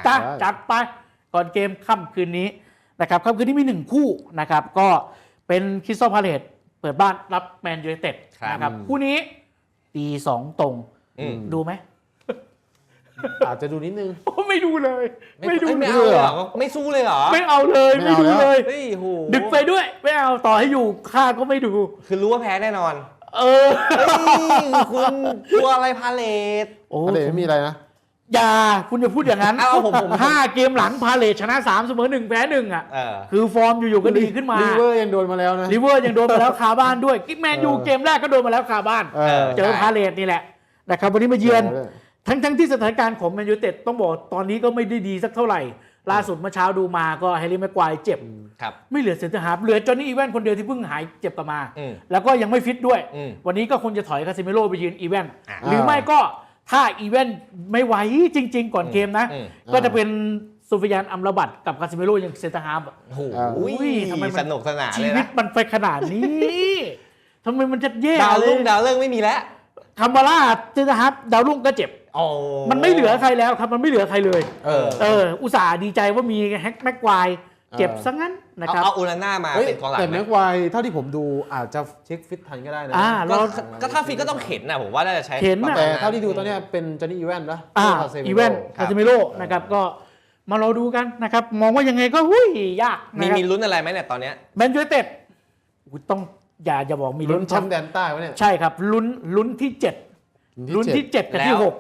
จ้ะจัดไปก่อนเกมค่ำคืนนี้นะครับค่ำคืนนี้มี1คู่นะครับก็เป็นคริสตัลพาเลซเปิดบ้านรับแมนยูไนเต็ดนะครับคู่นี้ตี2ตรงดูไหมอาจจะดูนิดนึงไม่ดูเลยไม่ดูเลยเหรอไม่สู้เลยเหรอไม่เอาเลยไม่ดูเลยดึกไปด้วยไม่เอาต่อให้อยู่ข้าก็ไม่ดูคือรู้ว่าแพ้แน่นอนคุณกลัวอะไรพาเลทพาเลทไม่มีอะไรนะอย่าคุณอย่าพูดอย่างนั้นผม5 เกมหลังพาเลทชนะ3เสมอ1แพ้1อ่ะคือฟอร์มอยู่ๆก็ดีขึ้นมาลิเวอร์ยังโดนมาแล้วนะลิเวอร์ยังโดนมาแล้วคาบ้านด้วยกิ๊กแมนยูเกมแรกก็โดนมาแล้วคาบ้านเจอพาเลทนี่แหละนะครับวันนี้มาเยือนทั้งที่สถานการณ์ของแมนยูเต็ดต้องบอกตอนนี้ก็ไม่ได้ดีสักเท่าไหร่ล่าสุดเมื่อเช้าดูมาก็แฮร์รี่แม็กควายเจ็บไม่เหลือเซนเตอร์ฮาล์ฟเหลือจอห์นนี่อีแวนคนเดียวที่เพิ่งหายเจ็บกลับมาแล้วก็ยังไม่ฟิตด้วยวันนี้ก็คงจะถอยคาซิเมโร่ไปยืนอีแวนหรือไม่ก็ถ้าอีแวนไม่ไหวจริงๆก่อนเกมนะก็จะเป็นซูฟิยานอัมราบัตกับคาซิเมโร่ยังเซนเตอร์ฮาล์ฟโอ้ยทำไมสนุกสนานชีวิตมันไปขนาดนี้ทำไมมันจะแย่ดาวรุ่งไม่มีแล้วคามาร่าเซนเตอร์ฮาล์ฟดาวรุ่งก็เจ็บมันไม่เหลือใครแล้วครับมันไม่เหลือใครเลยอุตส่าห์ดีใจว่ามีแม็กควายเจ็บซะงั้นนะครับเอาอูนาน่ามาเป็นกองหลังแต่แม็กควายเท่าที่ผมดูอาจจะเช็คฟิตทันก็ได้นะก็ถ้าฟิตก็ต้องเข็นนะผมว่าน่าจะใช้แต่เท่าที่ดูตอนนี้เป็นจอห์นนี่อีแวนนะอีแวนคาซิเมโร่นะครับก็มารอดูกันนะครับมองว่ายังไงก็ยากมีลุ้นอะไรไหมเนี่ยตอนนี้แมนยูไนเต็ดต้องอย่าบอกมีลุ้นแชมป์แดนใต้วะเนี่ยใช่ครับลุ้นที่7ลุ้นที่7กับที่6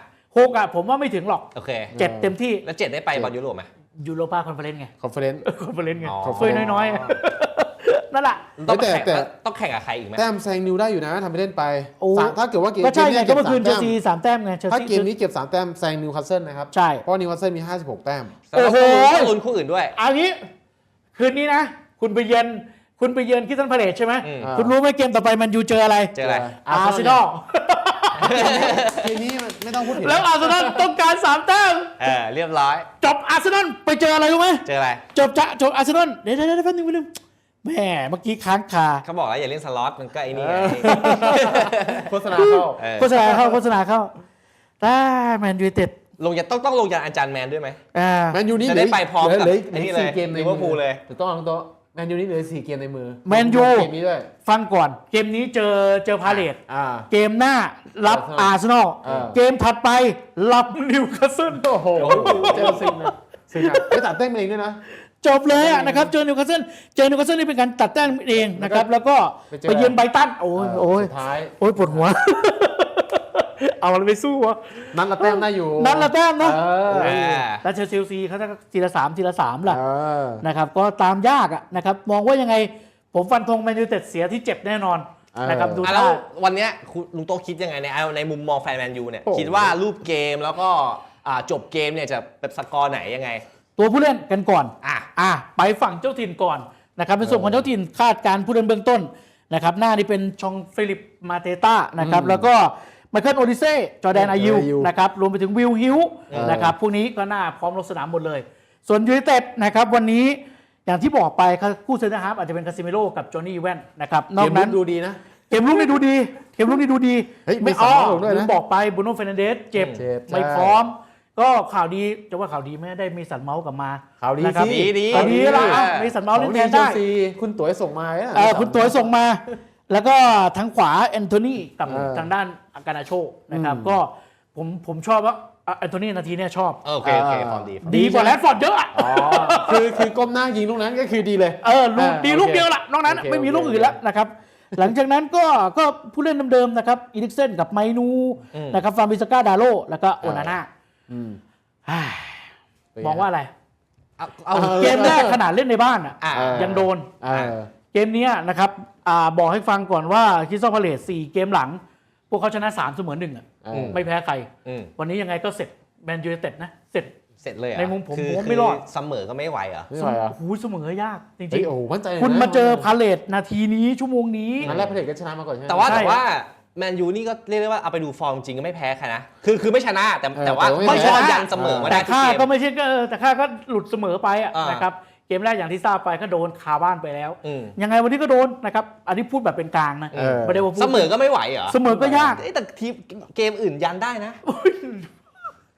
6อ่ะผมว่าไม่ถึงหรอกโอเค 7เต็มที่แล้ว7ได้ไปบอลยุโรปไหมยูโรปาคอนเฟอเรนซ์ไงคอนเฟอเรนซ์ไงเฟยน้อยๆนั่นแหละแต่ต้องแข่งกับใครอีกไหมแต้มแซงนิวได้อยู่นะทำไปเล่นไปถ้าเกิดว่าเกมก็ใช่ไงก็เมื่อคืนเชลซี3 แต้มไงถ้าเกมนี้เก็บ3 แต้มแซงนิวคาสเซิลนะครับใช่เพราะนิวคาสเซิลมี56 แต้มโอ้โหลุ้นคู่อื่นด้วยอันนี้คืนนี้นะคุณไปเยือนคริสตัลพาเลซใช่ไหมคุณรู้ไหมเกมต่อไปมันยูเจออะไรอาร์เซนอลเกมนี้ไม่ต้องพูดถึงแล้วอาร์เซนอลต้องการ3 แต้มเรียบร้อยจบอาร์เซนอลไปเจออะไรรู้ไหมเจออะไรจบอาร์เซนอลเดี๋ยวแป๊บนึงแม่เมื่อกี้ค้างคาเขาบอกแล้วอย่าเล่นสล็อตมันก็ไอ้นี่โฆษณาเข้าแต่แมนยูเต็ดต้องลงยันอาจารย์แมนด้วยไหมแมนยูนี่จะได้ไปพร้อมกับไอ้นี่เลยลิเวอร์พูลเลยถูกต้องโต๊ะแมนยูนี่เหลือ4 เกมในมือแมนยูฟังก่อนเกมนี้เจอพาเลทเกมหน้ารับอาร์เซนอลเกมถัดไปรับนิวคาสเซิลโอ้โหเจอซิงนะไม่ตัดแต้มเองด้วยนะจบเลยนะครับเจอนิวคาสเซิลนี่เป็นการตัดแต้มเองนะครับแล้วก็ไปเยือนไบรตันโอ้ยปวดหัวเอาอะไรไปสู้วะนัดละแต้มได้อยู่นัดละแต้มนะแล้วเชลซีเขาจะทีละ3ล่ะนะครับก็ตามยากนะครับมองว่ายังไงผมฟันธงแมนยูเต็ดเสียที่เจ็บแน่นอนนะครับดูแล้ววันนี้ลุงโตคิดยังไงในมุมมองแฟนแมนยูเนี่ยคิดว่ารูปเกมแล้วก็จบเกมเนี่ยจะเป็นสกอร์ไหนยังไงตัวผู้เล่นกันก่อนไปฝั่งเจ้าถิ่นก่อนนะครับในส่วนของเจ้าถิ่นคาดการผู้เล่นเบื้องต้นนะครับหน้านี่เป็นชองฟิลิปมาเตต้านะครับแล้วก็ไมเคิลโอดิเซ่จอร์แดนอายิวนะครับรวมไปถึงวิลฮิวนะครับพวกนี้ก็น่าพร้อมลงสนามหมดเลยส่วนยูไนเต็ดนะครับวันนี้อย่างที่บอกไปคู่เซนเตอร์ฮาล์ฟอาจจะเป็นคาซิเมโร่กับจอห์นนี่อีแวนนะครับนอกนั้นดูดีนะเกมลุกนี่ดูดีไม่บอกไปบูโน่เฟร์นันเดสเจ็บไม่พร้อมก็ข่าวดีจะว่าข่าวดีไม่ได้มีสันเมาส์กลับมาข่าวดีดีละมีสันเมาส์เล่นแทนได้คุณตั๋วส่งมาคุณตั๋วส่งมาแล้วก็ทางขวาแอนโทนีกับทางด้านอากานาโชนะครับก็ผมชอบว่าแอนโทนีนาทีนี้ชอบโอเคฟอร์มดีกว่าแรดฟอร์ดเยอะคือก้มหน้ายิงลูกนั้นก็คือดีเลยดีลูกเดียวละนอกนั้นไม่มีลูกอื่นแล้วนะครับหลังจากนั้นก็ผู้เล่นเดิมๆนะครับอีริกเซนกับไมนูนะครับฟาร์มิสก้าดาโลแล้วก็โอนาน่ามองว่าอะไรเกมแรกขนาดเล่นในบ้านยังโดนเกมนี้นะครับบอกให้ฟังก่อนว่าคริสตัลพาเลซ4 เกมหลังพวกเขาชนะ3เสมอ1ไม่แพ้ใครวันนี้ยังไงก็เสร็จแมนยูไนเต็ดนะเสร็จเลยในมุมผมไม่รอดเสมอก็ไม่ไหวเหรอเสมอยากจริงๆคุณมาเจอพาเลซนาทีนี้ชั่วโมงนี้นัดแรกพาเลซก็ชนะมาก่อนใช่ไหมแต่ว่าแมนยูนี่ก็เรียกได้ว่าเอาไปดูฟอร์มจริงก็ไม่แพ้ใครนะคือไม่ชนะแต่ว่าไม่ชนะยันเสมอมาได้แต่ค่าก็ไม่ใช่แต่ค่าก็หลุดเสมอไปนะครับเกมแรกอย่างที่ทราบไปก็โดนคาบ้านไปแล้วยังไงวันนี้ก็โดนนะครับอันนี้พูดแบบเป็นกลางนะไม่ได้ว่าเสมอก็ไม่ไหวเหรอเสมอก็ยากแต่ทีมเกมอื่นยันได้นะ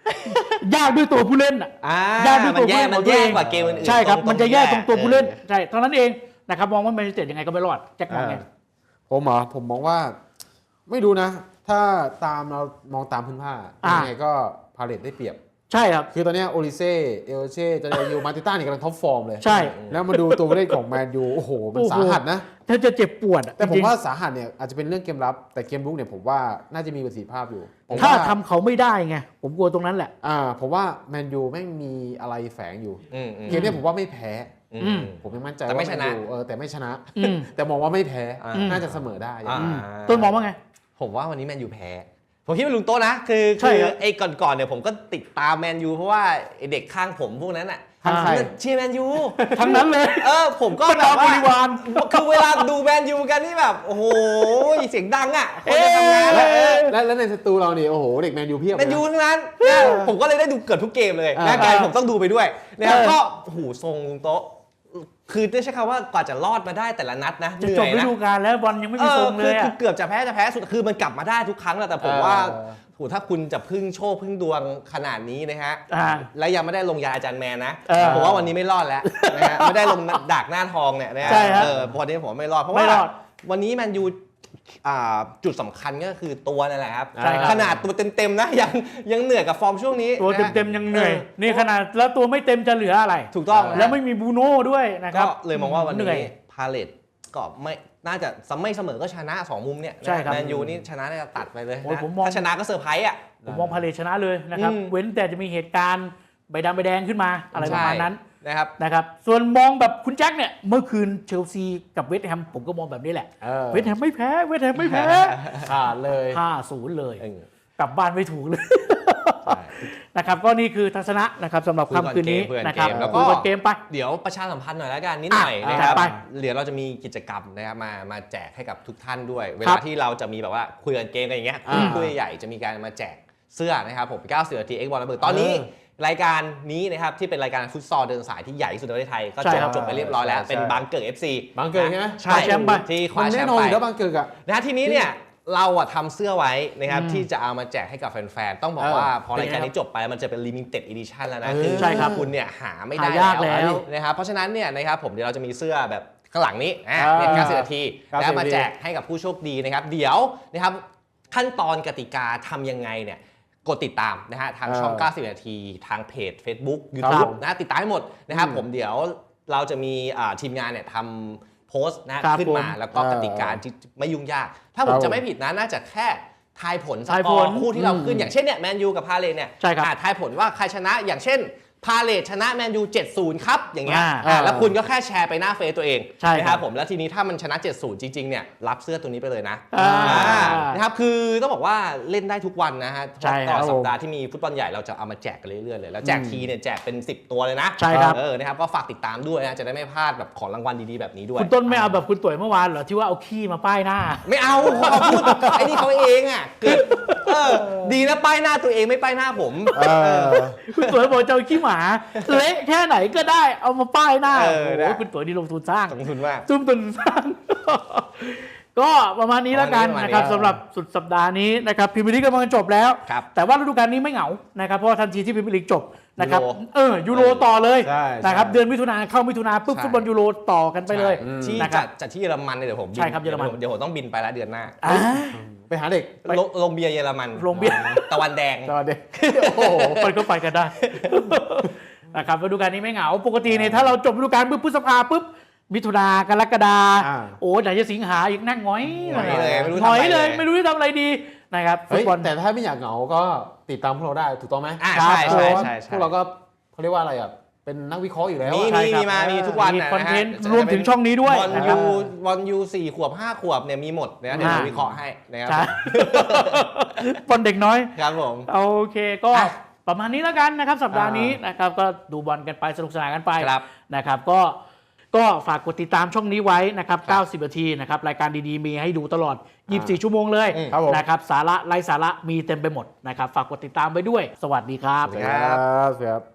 ยากด้วยตัวผู้เล่นอ่ะ ยากด้วยตัวผู้เล่นมันแย่กว่าเกมอื่นๆใช่ครับตรงมันจะแย่ตรงตัวผู้เล่นเออใช่เท่านั้นเองนะครับมองว่าแมนยูไนเต็ดยังไงก็ไม่รอดแจ็คมองไงผมมองว่าไม่รู้นะ ถ้าตามเรามองตามพื้นผ้ายังไงก็พาเลตได้เปรียบใช่ครับคือตอนนี้โอลิเซ่เอลเช่จาเดยูมาติต้านี่กำลังท็อปฟอร์มเลยใช่แล้วมาดูตัวผู้เล่นของแมนยูโอ้โหมันสาหัสนะถ้าจะเจ็บปวดอะแต่ผมจริงๆว่าสาหัสเนี่ยอาจจะเป็นเรื่องเกมรับ แต่เกมรุกเนี่ยผมว่าน่าจะมีประสิทธิภาพอยู่ผมถ้าว่าทำเขาไม่ได้ไงผมกลัวตรงนั้นแหละผมว่าแมนยูแม่งมีอะไรแฝงอยู่อืมเกมเนี้ผมว่าไม่แพ้อืมผมยังมั่นใจแต่ไม่ว่าชนะแมยูแต่ไม่ชนะอืมแต่มองว่าไม่แพ้อืมน่าจะเสมอได้ต้นมองว่าไงผมว่าวันนี้แมนยูแพ้ ผมคิดว่าลุงโต้นะ คือใช่ครับไอ้ก่อนๆเนี่ยผมก็ติดตามแมนยูเพราะว่าไอ้เด็กข้างผมพวกนั้นอ่ะข้างใครเชียร์แมนยูทั้งนั้นเลยผมก็บรรแบดาบบริวารคือเวลาดูแมนยูกันนี่แบบโอ้โหเสียงดังอ่ะคนจะทำงานแล้วในสตูเราเนี่ยโอ้โหเด็กแมนยูเพียบแมนยูทั้งนั้นนะผมก็เลยได้ดูเกือบทุกเกมเลยนะกลายผมต้องดูไปด้วยนะครับก็โอ้โหทรงลุงโต๊ะคือได้ใช้คำว่ากว่าจะรอดมาได้แต่ละนัดนะเหจะนื่จอบ ยฤนะดูกาลแล้วบอลยังไม่มีทรงเลยคือะอเกือบจะแพ้สุดคือมันกลับมาได้ทุกครั้งแหละแต่ผมว่าโหถ้าคุณจะพึ่งโชคพึ่งดวงขนาดนี้นะฮะ และยังไม่ได้ลงยาอาจารย์แมนนะผมว่าวันนี้ไม่รอดแล้วนะฮะไม่ได้ลงดักหน้าทองเนี่ยนะฮะวันนี้ผมไม่รอดเพราะว่าวันนี้แมนยูจุดสำคัญก็คือตัวนั่นแหละครับขนาดตัวเต็มๆนะยังเหนื่อยกับฟอร์มช่วงนี้ตัวเต็มๆยังเหนื่อยนี่ขนาดแล้วตัวไม่เต็มจะเหลืออะไรถูกต้องแล้วไม่มีบูโน่ด้วยนะครับก็เลยมองว่าวันเหนื่อยนี้พาเลตก็ไม่น่าจะไม่เสมอก็ชนะ2มุมเนี่ยใช่ครับแมนยูนี่ชนะน่าจะตัดไปเลยโอ้ยนะผมมองถ้าชนะก็เซอร์ไพรส์อ่ะผมมองพาเลทชนะเลยนะครับ เว้นแต่จะมีเหตุการณ์ใบดำใบแดงขึ้นมาอะไรประมาณนั้น นะครับ ส่วนมองแบบคุณแจ็คเนี่ยเมื่อคืนเชลซีกับเวสต์แฮมผมก็มองแบบนี้แหละเวสต์แฮมไม่แพ้ขาดเลย 5-0 เลยกลับบ้านไม่ถูกเลยนะครับก็นี่คือทัศนะนะครับสำหรับค่ำคืนนี้นะครับแล้วก็เกมไปเดี๋ยวประชาสัมพันธ์หน่อยแล้วกันนิดหน่อยนะครับไปเดี๋ยวเราจะมีกิจกรรมนะครับมาแจกให้กับทุกท่านด้วย เวลาที่เราจะมีแบบว่าคุยกันเกมกันอย่างเงี้ยคุยใหญ่จะมีการมาแจกเสื้อนะครับผม90 นาที X บอลระเบิดตอนนี้รายการนี้นะครับที่เป็นรายการฟุตซอลเดินสายที่ใหญ่ที่สุดในประเทศไทยก็จบไปเรียบร้อยแล้วเป็นบางเกิด FC บางเกิดใช่ไหมใช่แชมป์ไปที่คมัว้าน แชแน่มนอนป์อยู่ไปแล้วบางเกิดอะนะทีนี้เนี่ยเราอะทำเสื้อไว้นะครับที่จะเอามาแจกให้กับแฟนๆต้องบอกว่าพอรายการนี้จบไปมันจะเป็น limited edition แล้วนะคือใช่ครับคุณเนี่ยหาไม่ได้หายากแล้วนะครับเพราะฉะนั้นเนี่ยนะครับผมเดี๋ยวเราจะมีเสื้อแบบข้างหลังนี้เนี่ย90 นาทีแล้วมาแจกให้กับผู้โชคดีนะครับเดี๋ยวนะครับขั้นตอนกติกาทำยังไงเนี่ยกดติดตามนะฮะทางช่อง 90 นาทีทางเพจ Facebook YouTube นะติดตามให้หมดนะครับผมเดี๋ยวเราจะมีทีมงานเนี่ยทำโพสต์นะขึ้นมาแล้วก็กติกาที่ไม่ยุ่งยาก ถ้าผมจะไม่ผิดนะน่าจะแค่ทายผลสกอร์คู่ที่เราขึ้นอย่างเช่นเนี่ยแมนยูกับพาเลทเนี่ยทายผลว่าใครชนะอย่างเช่นพาเลทชนะแมนยู 70 ครับอย่างเงี้ยแล้วคุณก็แค่แชร์ไปหน้าเฟซตัวเองนะครับผมแล้วทีนี้ถ้ามันชนะ 70 จริงๆเนี่ยรับเสื้อตัวนี้ไปเลยนะนะครับคือต้องบอกว่าเล่นได้ทุกวันนะฮะต่อสัปดาห์ที่มีฟุตบอลใหญ่เราจะเอามาแจกกันเรื่อยๆเลยแล้วแจกทีเนี่ยแจกเป็น10ตัวเลยนะนะครับก็ฝากติดตามด้วยนะจะได้ไม่พลาดแบบของรางวัลดีๆแบบนี้ด้วยคุณต้นไม่เอาแบบคุณตุ๋ยเมื่อวานเหรอที่ว่าเอาขี้มาป้ายหน้าไม่เอาเขาพูดไอ้นี่เขาเองอ่ะเกิดดีนะป้ายหน้าตัวเองไม่ป้ายหน้าผมคุณตุ๋ยบอกจะเอาขี้หมาเละแค่ไหนก็ได้เอามาป้ายหน้าโอ้โหคุณตุ๋ยนี่ลงทุนสร้างลงทุนมากทุ่มทุนสร้างก็ประมาณนี้แล้วกันนะครับสำหรับสุดสัปดาห์นี้นะครับพรีเมียร์ลีกกำลังจบแล้วแต่ว่าฤดูกาลนี้ไม่เหงานะครับเพราะทันทีที่พรีเมียร์ลีกจบนะครับยูโรต่อเลยนะครับเดือนมิถุนาเข้ามิถุนาปุ๊บฟุตบอลยูโรต่อกันไปเลยที่จัดที่เยอรมันเนี่ยเดี๋ยวผมบินเดี๋ยวผมต้องบินไปแล้วเดือนหน้าไปหาเด็กลงเบียร์เยอรมันลงเบียร์ตะวันแดงโอ้โหมันก็ไปกันได้นะครับฤดูกาลนี้ไม่เหงาปกติเนี่ยถ้าเราจบฤดูกาลปุ๊บพฤษภาปุ๊บมิถุนากรกฎาโอ้ไหนจะสิงหาอีกนั่งง้อยเลยไม่รู้จะทำอะไรดีนะครับฟุตบอลแต่ถ้าไม่อยากเหงาก็ติดตามพวกเราได้ถูกต้องไหมใช่พวกเราก็เขาเรียกว่าอะไรอ่ะเป็นนักวิเคราะห์อยู่แล้วมีทุกวันคอนเทนต์รวมถึงช่องนี้ด้วยวันยู4 ขวบ 5 ขวบเนี่ยมีหมดนะเดี๋ยววิเคราะห์ให้นะครับบอลเด็กน้อยครับผมโอเคก็ประมาณนี้แล้วกันนะครับสัปดาห์นี้นะครับก็ดูบอลกันไปสนุกสนานกันไปนะครับก็ฝากกดติดตามช่องนี้ไว้นะครับ90 นาทีนะครับรายการดีๆมีให้ดูตลอด24 ชั่วโมงเลยนะครับสาระไร้สาระมีเต็มไปหมดนะครับฝากกดติดตามไปด้วยสวัสดีครับครับ